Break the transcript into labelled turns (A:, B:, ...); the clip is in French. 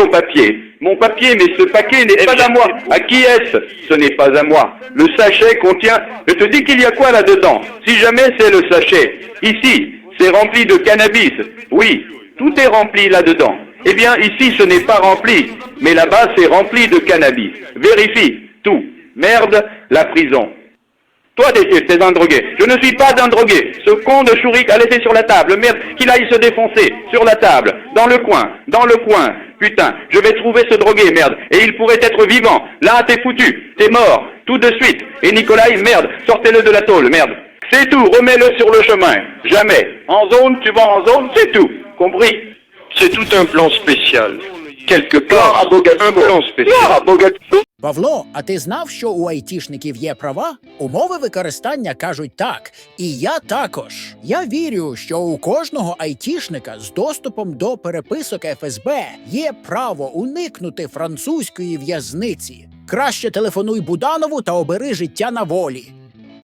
A: mon papier. Mon papier, mais ce paquet n'est pas à moi. À qui est-ce? Ce n'est pas à moi. Le sachet contient... Je te dis qu'il y a quoi là-dedans? Si jamais c'est le sachet. Ici, c'est rempli de cannabis. Oui, tout est rempli là-dedans. Eh bien, ici, ce n'est pas rempli. Mais là-bas, c'est rempli de cannabis. Vérifie, tout. Merde, la prison. Toi, t'es un drogué. Je ne suis pas un drogué. Ce con de Chourik a laissé sur la table. Merde, qu'il aille se défoncer. Sur la table. Dans le coin. Dans le coin. Putain, je vais trouver ce drogué, merde. Et il pourrait être vivant. Là, t'es foutu. T'es mort. Tout de suite. Et Nicolas, merde. Sortez-le de la tôle, merde. C'est tout. Remets-le sur le chemin. Jamais. En zone, tu vas en zone, c'est tout. Compris?
B: C'est tout un plan spécial. Quelque part, un plan spécial.
C: Павло, а ти знав, що у айтішників є права? Умови використання кажуть так. І я також. Я вірю, що у кожного айтішника з доступом до переписок ФСБ є право уникнути французької в'язниці. Краще телефонуй Буданову та обери життя на волі.